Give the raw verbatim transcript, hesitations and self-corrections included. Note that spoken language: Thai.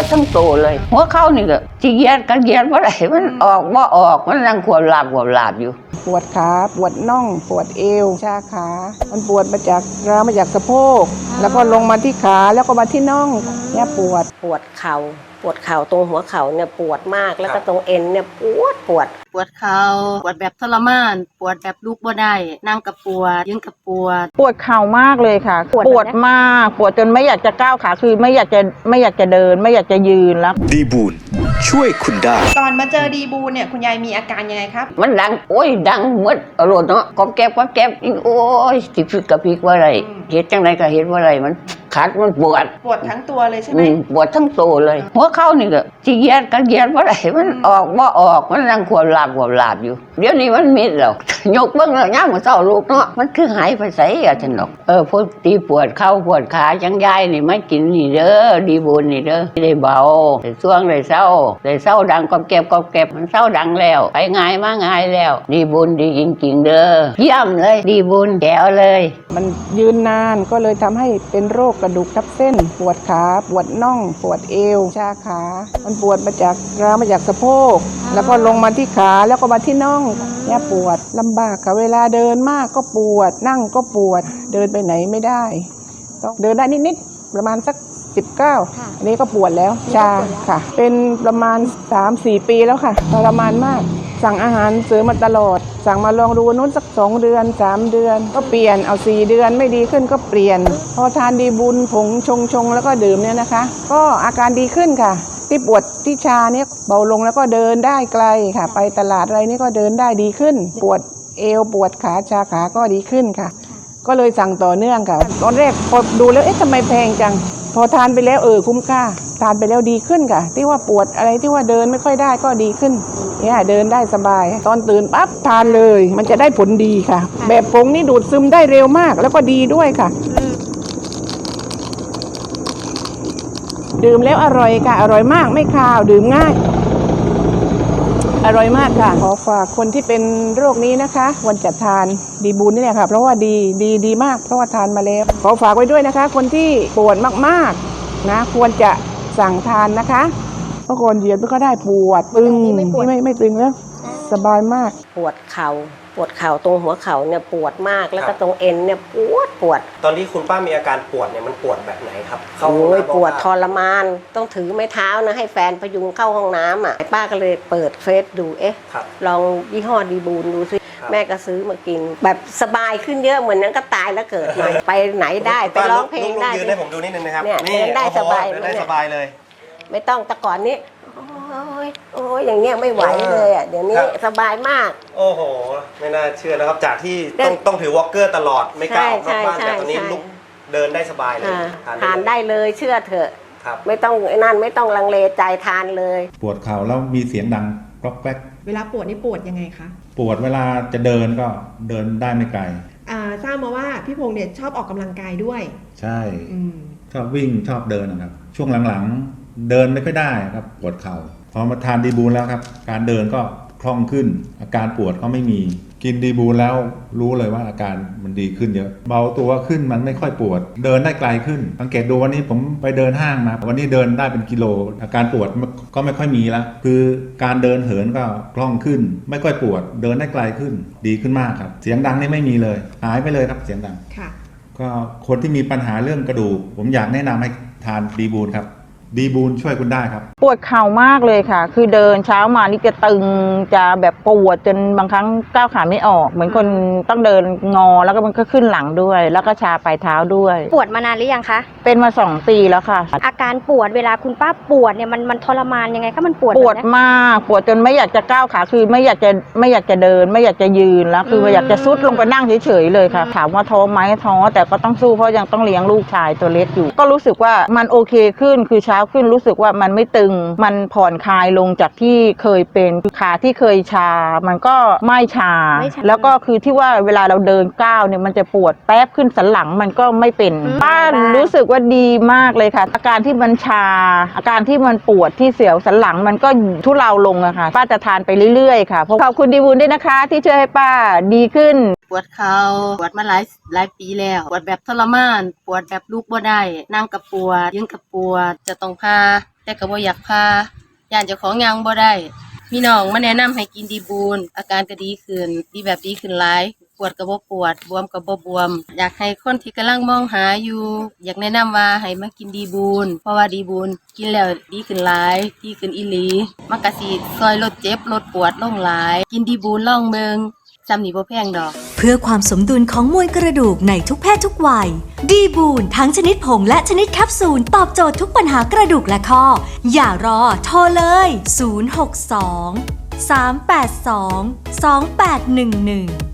ดทั้งตัวเลยหัวเข่านี่ก็จีเยียดกันเยียดว่าไรมันออกว่าออกมันนั่งขวบหลับขวบหลับอยู่ปวดขาปวดน่องปวดเอวชาขามันปวดมาจากร้าวมาจากสะโพกแล้วก็ลงมาที่ขาแล้วก็มาที่น่องเนี่ยปวดปวดเข่าปวดเข่าตรงหัวเข่าเนี่ยปวดมากแล้วก็ตรงเอ็นเนี่ยปวดปวดปวดเข่าปวดแบบทรมานปวดแบบลุกบ่ได้นั่งกับปวดยืนกับปวดปวดเข่ามากเลยค่ะปวดมากปวดจนไม่อยากจะก้าวขาคือไม่อยากจะไม่อยากจะเดินไม่อยากจะยืนแล้วดีบูนช่วยคุณได้ก่อนมาเจอดีบูนเนี่ยคุณยายมีอาการยังไงครับมันดังโอ้ยดังเหมือนอรรถเนาะก๊อบแก๊บก๊อบแก๊บโอ้ยติดฟิกกับพิกว่าไรเห็นจังไรก็เห็นว่าไรมันขาดมันปวดปวดทั้งตัวเลยใช่ไหมปวดทั้งตัวเลยหัวเข่านี่ก็จีเยียดกันเยียดว่าไรมันออกว่าออกมันนั่งขวบหลับขวบหลับอยู่เดี๋ยวนี้มันมิดแล้วยกเบิ้งแล้วย่างมาเศร้าลูกเนาะมันคือหายไปใส่อะฉันหรอกเออพวกตีปวดเข่าปวดขาจังยายนี่ไม่กินนี่เด้อดีบุญนี่เด้อได้เบาได้ช่วงได้เศร้าได้เศร้าดังกอบเก็บกอบเก็บมันเศร้าดังแล้วไปง่ายมาง่ายแล้วดีบุญดีจริงๆเด้อเยี่ยมเลยดีบุญแก้วเลยมันยืนนานก็เลยทำให้เป็นโรคกระดูกทับเส้นปวดขาปวดน่องปวดเอวชาขามันปวดมาจากร้าวมาจากสะโพกแล้วก็ลงมาที่ขาแล้วก็มาที่น่องเนี่ยปวดลำบากค่ะเวลาเดินมากก็ปวดนั่งก็ปวดเดินไปไหนไม่ได้ต้องเดินได้นิดๆประมาณสักสิบเก้าอันนี้ก็ปวดแล้วชาค่ะเป็นประมาณ สามสี่ ปีแล้วค่ะทรมานมากสั่งอาหารเสริมมาตลอดสั่งมาลองดูนู้นสักสองเดือนสามเดือนก็เปลี่ยนเอาสี่เดือนไม่ดีขึ้นก็เปลี่ยนพอทานดีบุญผงชงชงแล้วก็ดื่มเนี่ยนะคะก็อาการดีขึ้นค่ะที่ปวดที่ชาเนี่ยเบาลงแล้วก็เดินได้ไกลค่ะไปตลาดอะไรนี่ก็เดินได้ดีขึ้นปวดเอวปวดขาชาขาก็ดีขึ้นค่ะก็เลยสั่งต่อเนื่องค่ะตอนแรกพอดูแล้วเอ๊ะทำไมแพงจังพอทานไปแล้วเออคุ้มค่าทานไปแล้วดีขึ้นค่ะที่ว่าปวดอะไรที่ว่าเดินไม่ค่อยได้ก็ดีขึ้นเนี่ยเดินได้สบายตอนตื่นปั๊บทานเลยมันจะได้ผลดีค่ะแบบผงนี่ดูดซึมได้เร็วมากแล้วก็ดีด้วยค่ะดื่มแล้วอร่อยค่ะอร่อยมากไม่คาวดื่มง่ายอร่อยมากค่ะขอฝากคนที่เป็นโรคนี้นะคะควรจะทานดีบูนนี่แหละค่ะเพราะว่าดีดีดีมากเพราะว่าทานมาแล้วขอฝากไว้ด้วยนะคะคนที่ปวดมากๆนะควรจะสั่งทานนะคะเพราะก่อนเหยียดมันก็ได้ปวดตึงไม่ไม่ไม่ตึงแล้วสบายมากปวดเข่าปวดเข่าตรงหัวเข่าเนี่ยปวดมากแล้วก็ตรงเอ็นเนี่ยปวดปวดตอนที่คุณป้ามีอาการปวดเนี่ยมันปวดแบบไหนครับโอ้ยปวดทรมานต้องถือไม้เท้านะให้แฟนพยุงเข้าห้องน้ำอ่ะป้าก็เลยเปิดเฟซดูเอ๊ะลองยี่ห้อดีบูนดูซิแม่ก็ซื้อมากินแบบสบายขึ้นเยอะเหมือนนั้นก็ตายแล้วเกิดใหม่ไปไหนได้ไปร้องเพลงได้ยืนให้ผมดูนิดนึงนะครับเนี่ยเดินได้สบายได้สบายเลยไม่ต้องแต่ก่อนนี้โอ้ยโอ้ยอย่างเงี้ยไม่ไหวเลยอ่ะเดี๋ยวนี้สบายมากโอ้โหไม่น่าเชื่อนะครับจากที่ต้องต้องถือวอล์กเกอร์ตลอดไม่กล้าออกนอกบ้านแต่ตอนนี้ลุกเดินได้สบายเลยทานได้เลยเชื่อเถอะไม่ต้องไอ้นั่นไม่ต้องลังเลใจทานเลยปวดเข่าแล้วมีเสียงดังกรอกแก๊กเวลาปวดนี่ปวดยังไงคะปวดเวลาจะเดินก็เดินได้ไม่ไกลอ่าทราบมาว่าพี่พงษ์เนี่ยชอบออกกำลังกายด้วยใช่ชอบวิ่งชอบเดินนะครับช่วงหลังๆเดินไม่ค่อยได้ครับปวดเข่าพอมาทานดีบูนแล้วครับการเดินก็คล่องขึ้นอาการปวดก็ไม่มีกินดีบูนแล้วรู้เลยว่าอาการมันดีขึ้นเยอะเบาตัวขึ้นมันไม่ค่อยปวดเดินได้ไกลขึ้นสังเกตดูวันนี้ผมไปเดินห้างมาวันนี้เดินได้เป็นกิโลอาการปวดก็ไม่ค่อยมีแล้วคือการเดินเหินก็คล่องขึ้นไม่ค่อยปวดเดินได้ไกลขึ้นดีขึ้นมากครับเสียงดังนี่ไม่มีเลยหายไปเลยครับเสียงดังค่ะก็คนที่มีปัญหาเรื่องกระดูกผมอยากแนะนำให้ทานดีบูนครับดีบูนช่วยคุณได้ครับปวดเข่ามากเลยค่ะคือเดินเช้ามานี่จะตึงจะแบบปวดจนบางครั้งก้าวขาไม่ออกเหมือนคนต้องเดินงอแล้วก็มันก็ขึ้นหลังด้วยแล้วก็ชาปลายเท้าด้วยปวดมานานหรือยังคะเป็นมาสองปีแล้วค่ะอาการปวดเวลาคุณป้าปวดเนี่ยมันมันทรมานยังไงคะมันปวดปวดมากปวดจนไม่อยากจะก้าวขาคือไม่อยากจะไม่อยากจะเดินไม่อยากจะยืนแล้วคืออยากจะซุดลงไปนั่งเฉยๆเลยค่ะถามว่าท้อไหมท้อแต่ก็ต้องสู้เพราะยังต้องเลี้ยงลูกชายตัวเล็กอยู่ก็รู้สึกว่ามันโอเคขึ้นคือเช้าขึ้นรู้สึกว่ามันไม่ตึงมันผ่อนคลายลงจากที่เคยเป็นขาที่เคยชามันก็ไม่ชาแล้วก็คือที่ว่าเวลาเราเดินก้าวเนี่ยมันจะปวดแป๊บขึ้นสันหลังมันก็ไม่เป็นป้ารู้สึกว่าดีมากเลยค่ะอาการที่มันชาอาการที่มันปวดที่เสียวสันหลังมันก็ทุเลาลงอะค่ะป้าจะทานไปเรื่อยๆค่ะขอบคุณดีบุญด้วยนะคะที่ช่วยให้ป้าดีขึ้นปวดเข่าปวดมาหลายหลายปีแล้วปวดแบบทรมานปวดแบบลุกบ่ได้นั่งกับปวดยืนกับปวดจะต้องพาแต่ก็บ่อยากพาย่านเจ้าของย่างบ่ได้มีน้องมาแนะนำให้กินดีบูนอาการก็ดีขึ้นดีแบบดีขึ้นหลายปวดก็บ่ปวดบวมก็บ่บวมอยากให้คนที่กำลังมองหาอยู่อยากแนะนำว่าให้มากินดีบูนเพราะว่าดีบูนกินแล้วดีขึ้นหลายดีขึ้นอีหลีมันก็สิช่วยลดเจ็บลดปวดลงหลายกินดีบูนลองเบิ่งจำนี่บ่แพงดอกเพื่อความสมดุลของมวลกระดูกในทุกเพศทุกวัยดีบูนทั้งชนิดผงและชนิดแคปซูลตอบโจทย์ทุกปัญหากระดูกและข้ออย่ารอโทรเลยศูนย์ หก สอง สาม แปด สอง สอง แปด หนึ่ง หนึ่ง